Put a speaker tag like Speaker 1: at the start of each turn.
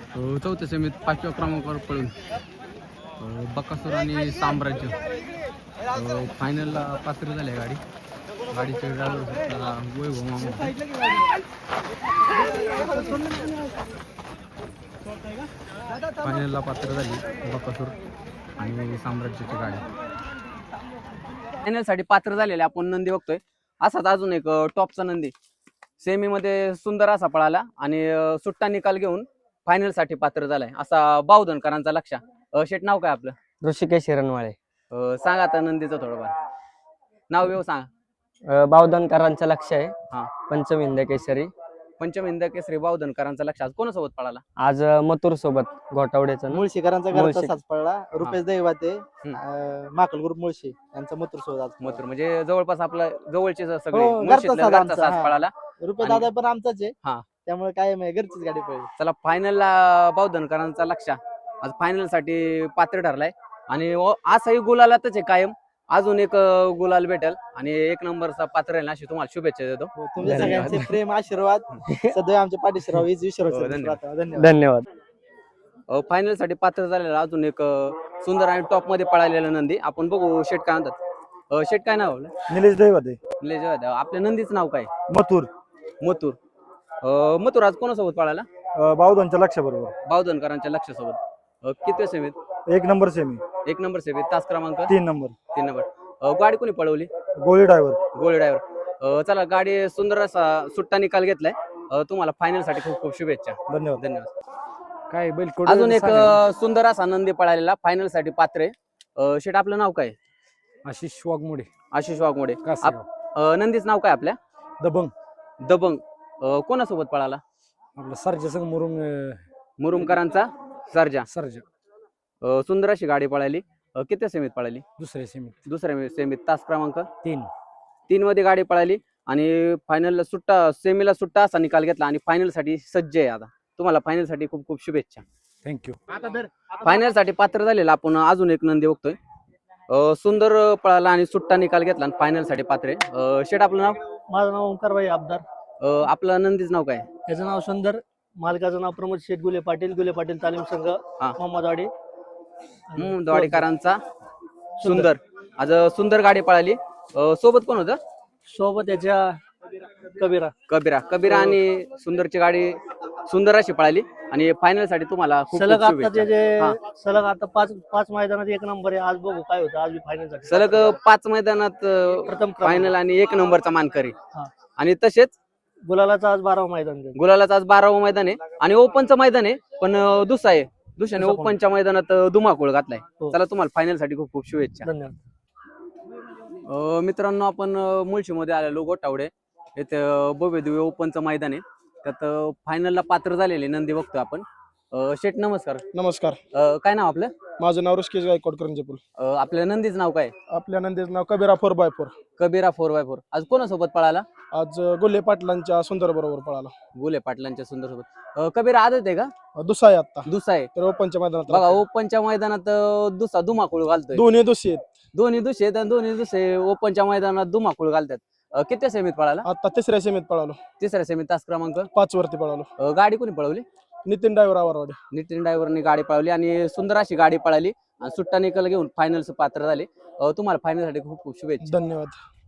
Speaker 1: चौथ्या सेमीत 5व्या क्रमांकावर पळून बकासूर आणि साम्राज्य फायनलला पात्र झाले. गाडीचे ड्रायव्हर वैभव मामा. फायनलला पात्र झाली बकासूर आणि साम्राज्याची गाडी. फायनलसाठी पात्र झालेले आपण नंदी बघतोय. असाच अजून एक टॉपचा नंदी सेमीमध्ये सुंदर असा पळाला आणि सुट्टा निकाल घेऊन फायनल साठी पात्र झालाय असा बावधनकरांचा लक्ष. शेट नाव काय आपलं?
Speaker 2: ऋषिकेश हिरणवाळे.
Speaker 1: सांगा आता नंदीचं थोडंफार नाव येऊ सांगा.
Speaker 2: बावधनकरांचं लक्ष आहे.
Speaker 1: हा,
Speaker 2: पंचम हिंद केसरी.
Speaker 1: पंचम हिंद केसरी बावधनकरांचा लक्ष. आज कोणासोबत पळाला?
Speaker 2: आज मथुर सोबत घोटावड्याचा
Speaker 3: मुळशीकरांचा घरचा साज पडला. रुपेश दैवाते माकल ग्रुप मुळशी यांचा मथुर सोबत आज
Speaker 1: मथुर म्हणजे जवळपास आपला जवळचे सगळे
Speaker 3: हो,
Speaker 1: मुळशीतला
Speaker 3: घरचा
Speaker 1: घरचा साज
Speaker 3: हा.
Speaker 1: पळाला.
Speaker 3: रुपेश दादा पण आमचाच आहे.
Speaker 1: हा.
Speaker 3: त्यामुळे काय घरचीच गाडी पडली.
Speaker 1: चला फायनलला बावधनकरांचा लक्ष आज फायनल साठी पात्र ठरलाय आणि असाही गुलालातच आहे कायम. अजून एक गुलाल भेटेल आणि एक नंबरचा पात्र राहील अशी तुम्हाला शुभेच्छा देतो.
Speaker 3: तुमच्या सगळ्यांचे प्रेम आशीर्वाद सदैव आमच्या पाठीशी राहावे.
Speaker 1: धन्यवाद.
Speaker 2: धन्यवाद.
Speaker 1: फायनल साठी पात्र झालेला अजून एक सुंदर आणि टॉप मध्ये पळालेला नंदी आपण बघू. शेट काय म्हणतात? शेट काय नाव?
Speaker 4: निलेश दैवते.
Speaker 1: निलेश. आपल्या नंदीचं नाव काय?
Speaker 4: मथुर.
Speaker 1: मथुर. मथुर आज कोणासोबत पळाला?
Speaker 4: बावधनच्या लक्ष बरोबर.
Speaker 1: बावधनकरांच्या लक्षासोबत. किती सेमीत?
Speaker 4: 1 नंबर सेमी.
Speaker 1: 1 नंबर सेमीत. तास क्रमांक
Speaker 4: 3 नंबर.
Speaker 1: 3 नंबर. गाडी कोणी पळवली?
Speaker 4: गोळी ड्रायव्हर.
Speaker 1: गोळी ड्रायव्हर. चला गाडी सुंदर असा सुट्टा निकाल घेतलाय. तुम्हाला फायनल साठी खूप खूप शुभेच्छा.
Speaker 4: धन्यवाद.
Speaker 1: धन्यवाद.
Speaker 4: काय बैल
Speaker 1: अजून एक सुंदर असा नंदी पळालेला फायनल साठी पात्र आहे. शेट आपलं नाव काय?
Speaker 4: आशिष वाघमोडे.
Speaker 1: आशिष वाघमोडे. नंदीच नाव काय आपल्या?
Speaker 4: दबंग.
Speaker 1: दबंग. कोणासोबत पळाला?
Speaker 4: आपला सर्जा संघ
Speaker 1: मुरुमकरांचा सर्जा.
Speaker 4: सर्जा.
Speaker 1: सुंदर अशी गाडी पळाली. किती सेमीत पळाली?
Speaker 4: दुसऱ्या सेमीत.
Speaker 1: दुसऱ्या सेमीत. तास क्रमांक
Speaker 4: 3
Speaker 1: मध्ये गाडी पळाली आणि फायनलला सुट्टा सेमीला सुट्टा असा निकाल घेतला आणि फायनल साठी सज्ज आहे. आता तुम्हाला फायनल साठी खूप खूप शुभेच्छा.
Speaker 4: थँक्यू.
Speaker 1: फायनल साठी पात्र झालेला आपण अजून एक नंदी बघतोय. सुंदर पळाला आणि सुट्टा निकाल घेतला आणि फायनल साठी पात्र आहे. शेट आपलं नाव?
Speaker 3: माझं नाव ओंकारबाई आबदार.
Speaker 1: आपलं नंदीच नाव काय?
Speaker 3: त्याचं नाव सुंदर. मालकाचं नाव प्रमोद शेठ गुले पाटील. गुले पाटील तालीम संघ मोहम्मदवाडी.
Speaker 1: दवाडीकरांचा सुंदर. आज सुंदर गाडी पळाली. सोबत कोण होतं?
Speaker 3: सोबत त्याच्या
Speaker 1: कबीरा आणि सुंदरची गाडी सुंदर अशी पळाली आणि फायनल साठी तुम्हाला खूप
Speaker 3: सलग
Speaker 1: खूप
Speaker 3: आता
Speaker 1: शुभेच्छा.
Speaker 3: सलग आता पाच मैदानात 1 नंबर आहे. आज बघू काय होतं. आज फायनल साठी
Speaker 1: सलग 5 मैदानात
Speaker 3: प्रथम
Speaker 1: फायनल आणि 1 नंबरचा मानकरी.
Speaker 3: हा.
Speaker 1: आणि तसेच
Speaker 3: गुलालाचं आज 12वं मैदान आहे.
Speaker 1: गुलालाचं आज 12वं मैदान आहे आणि ओपनचं मैदान आहे पण दुसरा आहे. दुसऱ्याने ओपनच्या मैदानात धुमाकूळ घातलाय. चला तुम्हाला फायनल साठी खूप खूप शुभेच्छा.
Speaker 3: धन्यवाद.
Speaker 1: मित्रांनो आपण मुळशीमध्ये आलेलो गोटावडे इथे भव्य दिव्य ओपनचं मैदान आहे. त्यात फायनलला पात्र झालेले नंदी बघतोय आपण. शेठ नमस्कार.
Speaker 4: नमस्कार.
Speaker 1: काय नाव आपलं?
Speaker 4: माझं नाव ऋषिकेश गायकवाड करंजपूर.
Speaker 1: आपल्या नंदीचं नाव काय?
Speaker 4: आपल्या नंदीचं नाव कबीरा 4x4.
Speaker 1: कबीरा 4x4. आज कोणासोबत पळाला?
Speaker 4: आज गुल्ले पाटलांच्या सुंदर बरोबर पळाला.
Speaker 1: गुले पाटलांच्या सुंदर सोबत. कबीरा आदत आहे का?
Speaker 4: दुसरा आहे आता.
Speaker 1: दुसरा आहे.
Speaker 4: तर ओपनच्या मैदानात
Speaker 1: बघा ओपनच्या मैदानात दुसरा धुमाकूळ घालतोय.
Speaker 4: दोन्ही दुसरे आहेत.
Speaker 1: दोन्ही दुसरे आणि दोन्ही दुसरे ओपनच्या मैदानात धुमाकूळ घालतात. किती सेमीत पळाला?
Speaker 4: आता 3ऱ्या सेमीत पळालो.
Speaker 1: 3ऱ्या सेमीत. तास क्रमांक
Speaker 4: 5 वरती पळालो.
Speaker 1: गाडी कोणी पळवली?
Speaker 4: नितीन ड्रायव्हर आवरवाडे.
Speaker 1: नितीन ड्रायव्हरने गाडी पळवली आणि सुंदर अशी गाडी पळाली आणि सुट्टा निकाल घेऊन फायनलचं पात्र झाले. तुम्हाला फायनल साठी खूप खूप शुभेच्छा.
Speaker 4: धन्यवाद.